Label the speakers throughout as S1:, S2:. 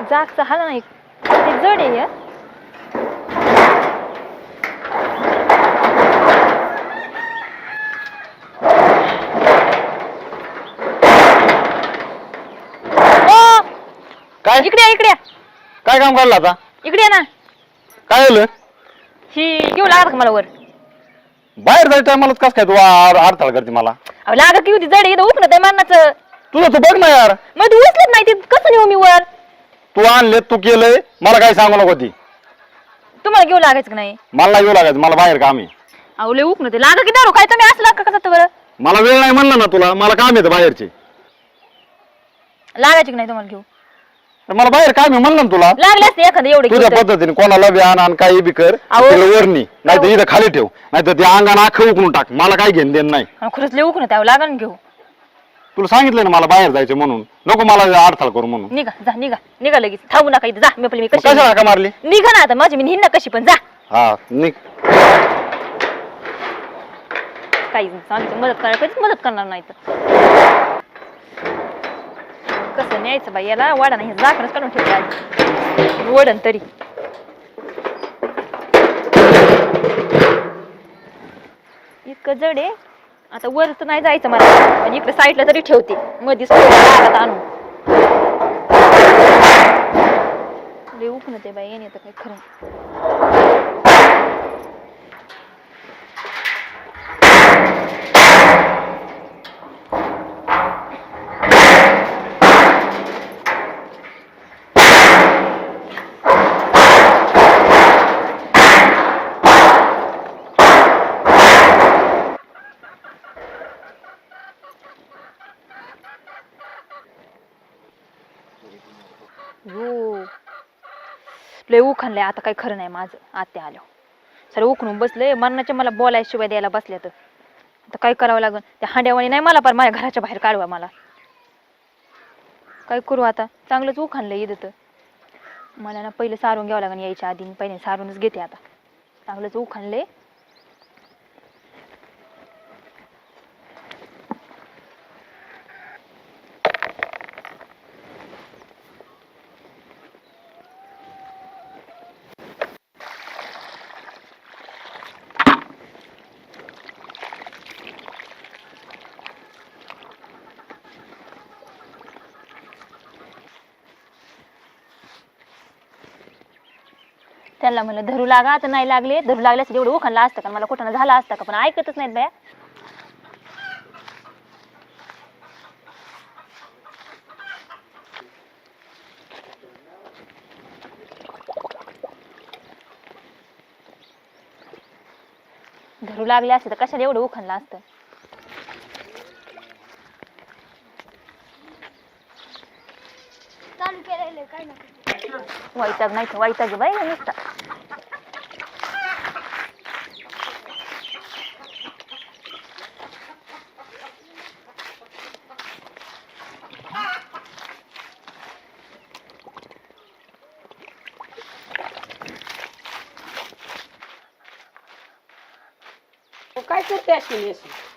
S1: जागचा हा नाही ते जड आहे हे.
S2: काय
S1: इकडे
S2: काय काम करला आता?
S1: इकडे ना.
S2: काय झालं?
S1: ही घेऊ लागत का मला वर?
S2: बाहेर जायचं टायमालाच कस काय तू अडथळा करते मला?
S1: अहो लागत की होती जड आहे उठणं ते मारणाचं.
S2: तुझं तू बघ ना यार.
S1: मग तू उचलत नाही ते कसं नेऊ मी वर?
S2: तू आणले तू केलंय मला काही सांगू नको ती.
S1: तुम्हाला घेऊ लागायचं का नाही?
S2: मला नाही घेऊ लागायचं, मला बाहेर काम आहे.
S1: अहो लय उठणं ते लागा की दारू काय तुम्ही असला का कसं बरं?
S2: मला वेळ नाही म्हणलं ना तुला, मला काम येतं बाहेरचे.
S1: लागायची की नाही तुम्हाला घेऊ?
S2: मला बाहेर काम आहे म्हणलं ना तुला.
S1: लागले असते एखादं एवढे
S2: तुझ्या पद्धतीने कोणाला बी आण काही बी कर, वरणी नाही तर इथं खाली ठेव, नाही तर ते अंगाने आखं उकळून टाक. मला काही घेणं देणं नाही.
S1: खरंच लय उठणं त्यावर लागा ना घेऊ.
S2: तुला सांगितलं ना मला बाहेर जायचं म्हणून, नको मला अडथळा करू म्हणून.
S1: निघा जा निघा लगेच थांबू नका इथे जा. मी
S2: मग
S1: कशी
S2: कशाला का मारली?
S1: निघा ना आता माझी मी निघ कशी पण जा.
S2: हा निघ.
S1: काही सांगितलं मदत करायला कधीच मदत करणार नाही तर. कसं न्यायचं बाई याला वाडा नाही जाकणच काढून ठेवले आज वडन तरी. इतकं जड आहे आता वर तर नाही जायचं मला, पण इकडे साईडला तरी ठेवते मध्येच आणून. लय उकणं ते बाई येणे तर काही खरं. लय उखणलंय आता काही खरं नाही माझं. आत्या आलो सर उखणून बसले मरणाच्या मला बोलायशिवाय द्यायला बसल्या तर आता काय करावं लागेल. त्या हांड्यावाणी नाही मला पण माझ्या घराच्या बाहेर काढवा मला. काय करू आता? चांगलंच उखणलंय इथं तर. मला ना पहिलं सारून घ्यावं लागेल यायच्या आधी. मी पहिले सारूनच घेते आता. चांगलंच उखणलंय. त्यांना म्हणलं धरू लागा आता नाही लागले. धरू लागल्यास एवढं उखणला असतं का मला कुठं झाला असता का, पण ऐकतच नाहीत बाया. धरू लागले असते तर कशाला एवढं उखणला असतं. वैताग नाही तर वैताग बाई नुसता.
S3: काय करते अशी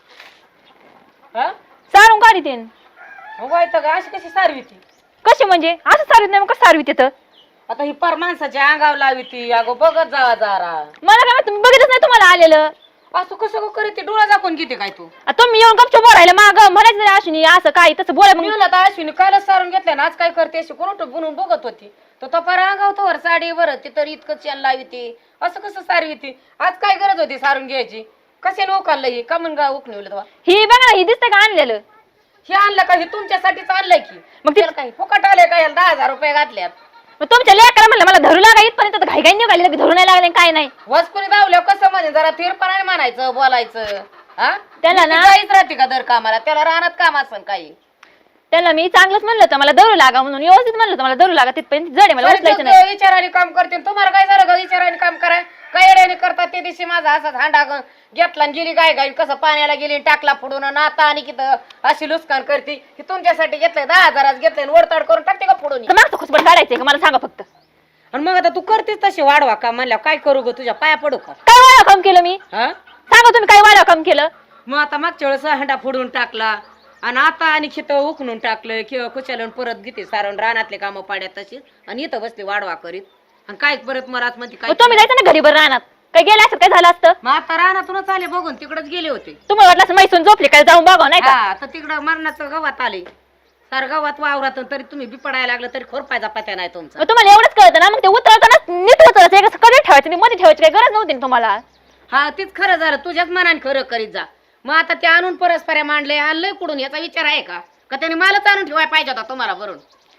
S1: सारून काढी तेन.
S3: वायता का अशी कशी सारवी ती?
S1: कशी म्हणजे असं सारवीत नाही मग कसं सारवीत येतं?
S3: आता ही पर माणसाच्या अंगावर लावी ती. अगो बघत जावा जरा.
S1: मला काय माहित, तुम्ही बघितलंच नाही तुम्हाला आलेलं.
S3: असं कसं करीत ती डोळा दाखवून घेते काय तू?
S1: तुम्ही येऊन गपचूप बोलायला माग म्हणायचं नाही अश्विनी असं काय तसं बोला मग.
S3: मी म्हणलं आता अश्विनी कालच सारून घेतल्या ना, आज काय करते अशी कोण बनवून बघत होती. तो पर अंगावतो वर साडी वर ती तर इतकं चॅन लावी ती. असं कसं सारवी ती? आज काय गरज होती सारून घ्यायची? कशाने उखाललं ही का म्हणून उकणवलं तेव्हा?
S1: ही बघा ही दिसतंय का आणलेलं?
S3: हे आणलं का? हे तुमच्यासाठीच आणलंय की.
S1: मग ते
S3: काही फुकट आले का? 10,000 रुपये घातल्यात.
S1: मग तुमच्या लेकराला म्हणलं मला धरू लागा इथपर्यंत घाई घाई निघाली की धरू नाही लागले काय नाही.
S3: वसकुनी धावल्या कसं म्हणे जरा थिरपणाने म्हणायचं बोलायचं. हा
S1: त्याला ना
S3: जाईच राहते का दर कामाला? त्याला राहणार काम असं काही.
S1: त्याला मी चांगलंच म्हणलं होतं मला धरू लागा म्हणून, व्यवस्थित म्हणलं होतं मला धरू लागा तिथपर्यंत जड आहे मला उचलायचं नाही.
S3: विचाराने काम करते तुम्हाला काय झालं का? विचाराने काम कराय काय येड्याने करतात. ते दिवशी माझा असाच हांडा घेतला आणि गेली गाय गाय कसं पाण्याला गेली टाकला फोडून नाता आणि किती अशी लुस्कान करते. ही तुमच्यासाठी घेतलंय 10,000 घेतलंय वरताड करून टाकते का फोडून?
S1: मागचं खुसपट काढायचंय का मला सांगा फक्त.
S3: आणि मग आता तू करतेस तशी वाढवा का म्हणल्या काय करू ग? तुझ्या पाया पडू का?
S1: काय वाढा काम केलं मी?
S3: हा
S1: सांगा तुम्ही काय वाढा काम केलं?
S3: मग आता मागच्या वेळेस हांडा फोडून टाकला. आणि आता आणि खित उकणून टाकलं किंवा कुशालन परत घेते सारण रानातले कामं पाड्यात तशी आणि इथं बसले वाढवा करीत आणि काय परत मला म्हणते काय
S1: तुम्ही जायचं ना घरी बरं राहणार काय गेले असं काय झालं असतं
S3: मग आता रानातूनच आले बघून तिकडच गेले होते
S1: तुम्हाला वाटलं असं मैसून झोपले काय जाऊन बघा नाही का
S3: हा तर तिकडं मरणाचं गव्हात आले सार गव्हात वावरात तरी तुम्ही बिपडायला लागलं तरी खोरपायचा पत्या नाही तुमचा
S1: मग तुम्हाला एवढंच कळतं ना मग ते उतरताना नीट उतरायचं कसं कडे ठेवायचं मध्ये ठेवायची काही गरज नव्हती ना तुम्हाला
S3: हा तीच खरं झालं तुझ्याच मनाने खरं करीत जा मग आता ते आणून परस्पऱ्या मांडले आणलंय कुठून याचा विचार आहे का त्याने मलाच आणून ठेवायला पाहिजे होता तुम्हाला भरून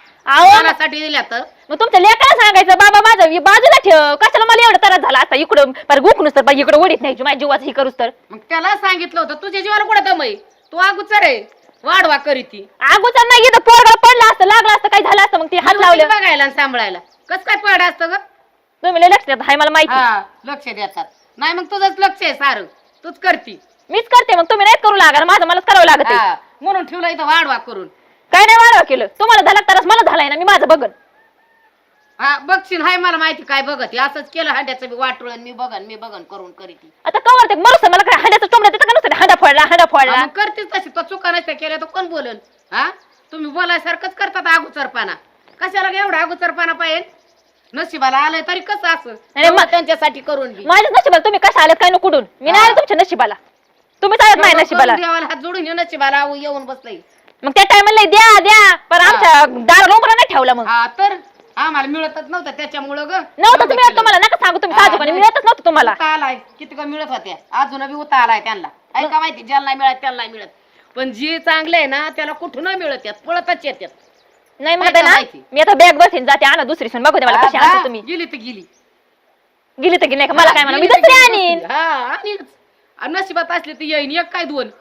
S3: साठी दिल्या तर
S1: मग तुमच्या लेकाला सांगायचं बाबा माझं बाजूला ठेव कशाला मला एवढं त्रास झाला आता इकडं गुकणूस तर इकडे ओढीत नाही माझ्या जीवाचं ही करूच तर
S3: मग त्याला सांगितलं होतं तुझ्या जीवाला कुठं दमय तू अगोदर आहे वाढवा करीती
S1: अगोदर नाही इथं पोरगाला पडलं असतं लागलं असतं काय झालं असतं मग ते हात लावले
S3: बघायला आणि सांभाळायला कसं काय पड असतं ग
S1: तुम्ही लय लक्ष देत हाय मला माहिती
S3: लक्ष देतात नाही मग तुझंच लक्ष आहे सारं तूच करती
S1: मीच करते मग तुम्ही नाहीच करू लागा माझं मलाच करावं लागत
S3: म्हणून ठेवलं इथं वाढवा करून
S1: काय नाही वाढवा केलं तुम्हाला झाला तरच मला झालाय ना मी माझं बघन
S3: हा बघशील हाय मला माहिती काय बघत असंच केलं हांड्याचं बी वाटून मी बघन करून करीती
S1: आता कवर ते मरुस मला काय हांड्याचं टोमड्या देतं का नुसतं हांडा फोडला
S3: मग करतेच तशी तो चुका नसत्या केल्या तर कोण बोलन हा तुम्ही बोलायसारखंच करतात अगोचरपणा कशाला एवढा अगोचरपणा पाहिजे नशिबाला आलंय तरी कसं असं त्यांच्यासाठी करून बी
S1: माझ्याच नशिबाला तुम्ही कशा आलेत काय कुठून मी नाही आले तुमच्या नशिबाला तुम्ही चालत नाही नशिबाला
S3: देवाला हात जोडून नशिबाला येऊन बसलंय
S1: मग त्या टायमाला द्या पण आमच्या दार लोंबरा नाही ठेवला मग
S3: हा तर आम्हाला मिळतच नव्हतं त्याच्यामुळं ग
S1: नव्हतं तुम्ही तुम्हाला नका सांगू तुम्ही साजूपणे मिळतच नव्हतं तुम्हाला
S3: उता आलाय किती का मिळत होत्या अजून बी उता आलाय त्यांना ऐका माहिती ज्याला नाही मिळत त्याला नाही मिळत पण जे चांगले आहे ना त्याला कुठून मिळत यात पळतच येतात
S1: नाही मग ना मी आता बॅग बसेन जाते आणा दुसरी सून बघू दे मला कशी आणते तुम्ही
S3: गेली तर गेली
S1: गेली तर गेली मला काय म्हणा मी दुसरी आणीन
S3: हा आणीन नशिबात असले तर येईन एक काय दोन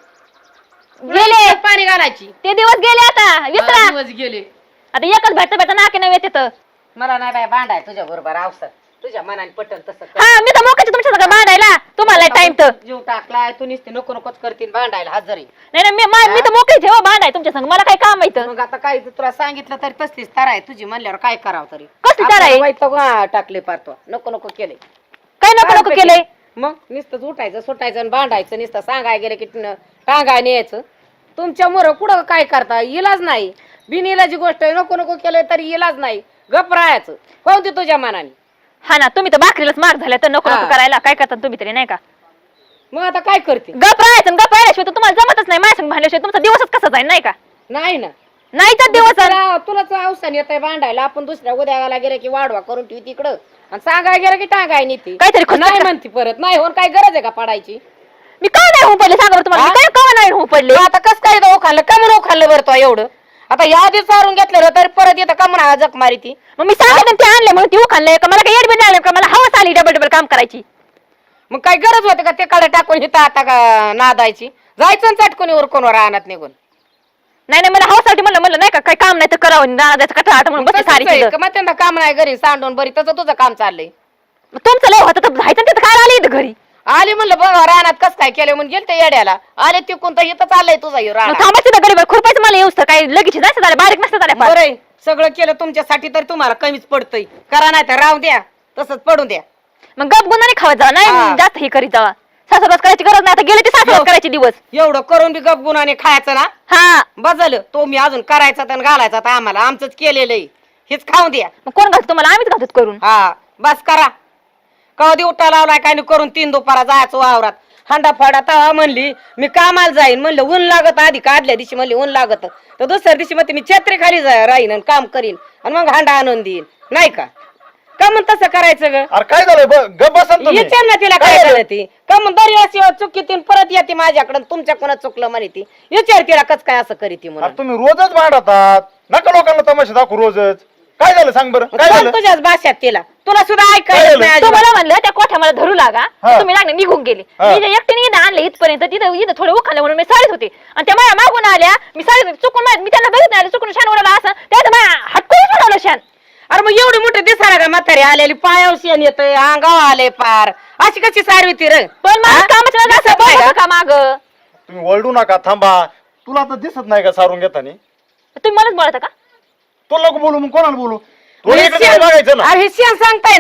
S1: गेले
S3: पाणी घालायची
S1: ते दिवस गेले आता विसरा
S3: दिवस गेले
S1: आता एकच भेटता नाके नाही येते तर
S3: मला नाही बाय भांडाय तुझ्या बरोबर अवसर तुझ्या मनाने पटल तसं
S1: हा मी तर मोकाची तुमच्या सगळं भांडायला तुम्हाला टाइम तर
S3: जीव टाकलाय तू नुसते नको नकोच करतील भांडायला हजरी
S1: नाही मी तर मोकळी ठेवा भांडाय तुमच्या संग मला काय काम माहित
S3: मग आता काय तुला सांगितलं तरी तसलीच तार आहे तुझी म्हणल्यावर काय करावं तरी
S1: कसली तार आहे
S3: टाकले पारतो नको नको केले
S1: काय नको नको केलंय
S3: मग नुसतं उठायचं सुटायचं आणि भांडायचं नुसतं सांगाय गेले की टांगाय न्यायचं तुमच्या मोर कुठं काय करता इलाज नाही बिनइलाजी गोष्ट आहे नको नको केलंय तरी इलाज नाही गप राहायचं कोणती तुझ्या मनाने
S1: हा ना तुम्ही तर भाकरीलाच मार झाल्या तर नको नको करायला काय करता तुम्ही तरी नाही का
S3: मग आता काय करते
S1: गप राहायचं गप राहिल्याशिवाय तर तुम्हाला जमतच नाही माझ्या संग भांडल्याशिवाय तुमचा दिवसच कसा जाईल नाही का
S3: नाही ना
S1: नाहीचा दिवस
S3: तुलाच अवसान येत आहे भांडायला आपण दुसऱ्या उद्याला गेले की वाढवा करून ठेवी तिकडं आणि सांगाय गेलं की टांगाय नीती
S1: काहीतरी
S3: नाही म्हणती परत नाही होऊन काय गरज आहे का पडायची
S1: मी काय नाही होऊ पडले सांगा बरं तुम्हाला मी काय का नाही होऊ पडले
S3: आता कसं काय तो खाल्लं का म्हणून खाल्लं बरं तो एवढं आता या आधी सारून घेतलं तरी परत येतं का म्हणा जक मारी ती
S1: मग मी सांगितलं ते आणले म्हणून ती खाल्लंय का मला काही एडबिन लागलं का मला हवस आली डबल डबल काम करायची
S3: मग काय गरज होते का ते कडे टाकून इथं आता का नादायची जायचं चटकून उरकून राहणार निघून
S1: नाही मला हवासाठी म्हणलं नाही का काय काम नाही तर करावं जायचं कटाळा म्हणून बसली सारी तिथं.
S3: मग त्यांना काम नाही घरी सांडून बरी तसं तुझं काम चाललंय
S1: मग तुमचं लय होतं तर जायचं तिथं काय आली इथं घरी
S3: आली म्हणलं बघा रानात कस काय केलं म्हणून गेलते येड्याला आले तिकून तर इथं चाललंय तुझा राहणार
S1: थांबायचं तर गरीब खुरपायचं मला येऊस तर काही लगेच जायचं झालं बारीक नसतं झालं
S3: बरं सगळं केलं तुमच्यासाठी तरी तुम्हाला कमीच पडतंय करा नाही तर राहू द्या तसंच पडून द्या
S1: मग गप गुन्हा खावत जावा नाही जास्त हे करीत जावा सासरवास करायची गरज नाही आता गेले ते सासरवास करायचे दिवस
S3: एवढं करून बी गप गुणाने खायचं ना
S1: हा
S3: बदल तो मी अजून करायचा तर घालायचा तर आम्हाला आमचंच केलेलं आहे हेच खाऊन द्या
S1: मग कोण घालतो तुम्हाला आम्हीच घालतो करून
S3: हा बस करा कधी उठा लावलाय काय करून 3 दुपारा जायचं वावरात हांडा फाडा तवा म्हणली मी कामाला जाईन म्हणलं ऊन लागत आधी काढल्या दिवशी म्हणली ऊन लागत तर दुसऱ्या दिवशी म्हणते मी छत्री खाली राहीन आणि काम करीन आणि मग हांडा आणून देईन नाही का का म्हण तसं करायचं ग
S2: अरे काय झालं गप बसन तुम्ही
S3: विचार ना तिला काय झालं ती का म्हण दर याशिवाय चुकीतीन परत येते माझ्याकडे तुमच्याकडून चुकलं म्हणे ती विचार तिला कस काय असं करीती म्हणून
S2: तुम्ही रोजच भांडतात नका लोकांना तमाशा दाखवू रोजच काय झालं सांग बरं काय झालं
S3: तुझ्याच भाषात तिला तुला सुद्धा ऐकायला नाही अजिबात.
S1: तुम्हाला म्हणलं त्या कोठ्या मला धरू लागा तुम्ही लागले निघून गेले मी जे एकटीने इथं आणले इथपर्यंत इथं थोडं उखाले म्हणून मी साडीत होते आणि त्या माझ्या मागून आल्या मी साडीत चुकून मी त्यांना बघितलं आले चुकून शान उडवला असं त्यात माझ्या हटकून उडवलं शान
S3: अरे मग एवढी मोठी दिसायला का म्हातारी आलेली पायावर शेण येतंय अंगावर आले पार अशी कशी सारवी ती रे
S1: पण मला कामाच्या का माग
S2: तुम्ही वळडू नका थांबा तुला आता दिसत नाही का सारून घेताना
S1: तुम्ही मलाच बोलता का
S2: तो लोक बोलू मग कोणाला बोलू बघायचं ना
S3: अरे हे शेण सांगताय ना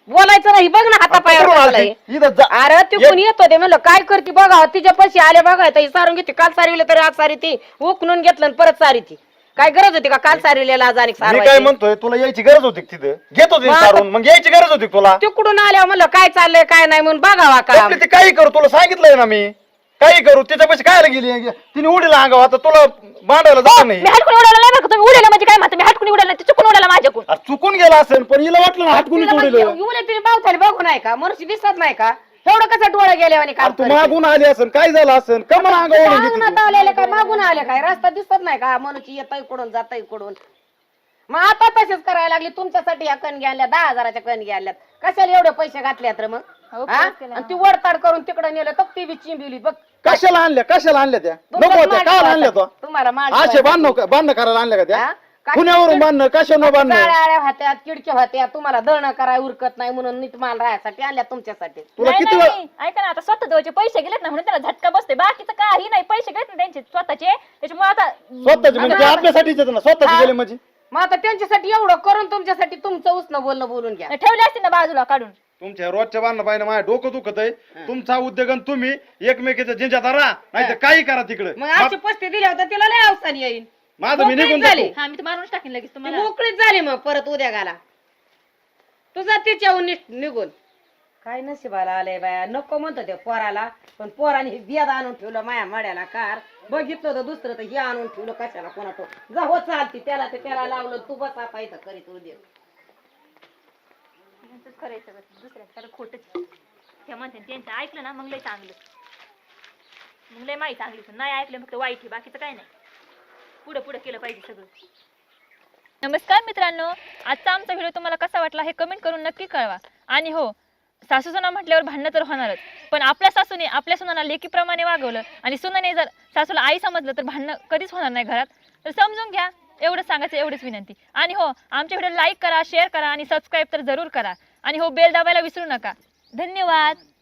S3: बोलायचं नाही बघ ना हातापायावर
S4: कुठून
S3: बसलाय.
S4: आलती? इथं जा-
S3: अरे ती कोणी येतो ते म्हणलं काय करते बघा तिच्या पैसे आले बघा ताई सारून घेते काल सारविले तरी आज सारी ती उकणून घेतलं आणि परत सारी ती काय गरज होती का काल सारविलेला आज आणि
S4: मी काय
S3: सारवायची?
S4: म्हणतोय तुला यायची गरज होती का तिथं घेत होती
S3: मग आता-
S4: सारून मग यायची गरज होती का तुला
S3: तिकडून आल्या म्हणलं काय चाललंय काय नाही म्हणून बघावा का
S4: आपली ती काही करू तुला सांगितलंय ना मी काही करू त्याच्यापाशी कायला गेली तिने उडीला अंगाव आता तुला मांडायला जात नाही
S1: मी हटकून उडाला नाही बरं का तुम्ही उडाला म्हणजे काय म्हणता मी हटकून उडाला नाही ते चुकून उडाला माझ्याकडून
S4: अरे चुकून गेला असेल पण हिला वाटलं ना हातकुनीच उडीलं
S3: उद्या तिने पावसाने बघू नाही का मनुष्य दिसत नाही का एवढं कसं डोळे गेले आणि काम
S4: तू मागून आली असेल काय झालं असेल का मला अंगावर ओढून घेते
S3: अंगणात आलेले काय मागून आले काय रस्ता दिसत नाही का मनुष्य येत इकडून जात इकडून मग आता तसेच करायला लागली तुमच्यासाठी या कणगी आणल्या 10,000च्या कणगी आणल्यात कशाला एवढे पैसे घातल्यात रे मग
S1: हो,
S3: हा?
S1: खरंच केलं.
S3: आणि ती वडताड करून तिकडे नेलं तर ती बी चिंबिवली बघ
S4: कशाला आणल्या त्या नको
S3: तुमच्याच
S4: होत्या काय
S3: माणसाला-
S4: आणल्या तो
S3: तुम्हाला माल
S4: असे
S3: ठेवायचा.
S4: बांधणं करायला आणल्या का
S3: हा?
S4: त्या
S3: काय
S4: पुण्यावरून बांधणं कशानं बांधणं
S3: जाळ्या आळ्या होत्या किडक्या होत्या तुम्हाला दळणं कराय उरकत नाही म्हणून नीट माल राहायसाठी आणल्या तुमच्यासाठी
S4: तुला
S1: नाही,
S4: किती
S1: नाही,
S4: वेळा
S1: नाही. ऐका ना आता स्वतः जवळचे पैसे गेलेत ना म्हणून त्याला झटका बसते बाकीचं काही नाही पैसे गेलेत ना त्यांचे स्वतःचे त्याच्यामुळे आता
S4: स्वतःचे म्हणजे ते आपल्यासाठीच आहेत ना स्वतःचे गेले म्हणजे
S3: मग आता त्यांच्यासाठी एवढं करून तुमच्यासाठी तुमचं उसनं बोलणं बोलून घ्या
S1: ठेवले असते ना बाजूला काढून
S4: तुमच्या रोजच्या बांधणं पाहिजे माझ्या डोकं दुखत आहे तुमचा उद्योग आणि तुम्ही एकमेकीच्या जिंच्यात राहा नाही तर काही करा तिकडे
S3: मग अशी पस्ती दिल्या होत्या तिला लय अवसान येईल
S4: माझं मी निघून
S3: मोकळीच झाली.
S4: जातो
S1: हा मी तर मारूनच टाकेन लगेच
S3: ती
S1: तुम्हाला
S3: मोकळीच झाली मग परत उद्या गाला तुझा तिच्याहून निघून काय नशिबाला आलंय बाया नको म्हणतो ते पोराला पण पोराने बियाद आणून ठेवलं माया मड्याला कार बघितलं तर दुसरं तर हे आणून ठेवलं कशाला कोणा तो जा हो चालती त्याला ते त्याला लावलं तू बस आता इथं करीत उद्या
S1: करायचं दुसऱ्या खोटच त्या म्हणते त्यांचं ऐकलं ना मग लय चांगलं मग लय माहिती चांगली पण नाही ऐकलं फक्त वाईट आहे बाकीचं काय नाही पुढे पुढे केलं पाहिजे सगळं. नमस्कार मित्रांनो, आजचा आमचा व्हिडिओ तुम्हाला कसा वाटला हे कमेंट करून नक्की कळवा. आणि हो, सासू सुना म्हटल्यावर भांडणं तर होणारच, पण आपल्या सासूने आपल्या सुनाला लेकीप्रमाणे वागवलं आणि सुनाने जर सासूला आई समजलं तर भांडणं कधीच होणार नाही घरात. तर समजून घ्या, एवढं सांगायचं एवढीच विनंती. आणि हो, आमच्या व्हिडिओ लाईक करा, शेअर करा आणि सबस्क्राईब तर जरूर करा. आणि हो, बेल दाबायला विसरू नका. धन्यवाद.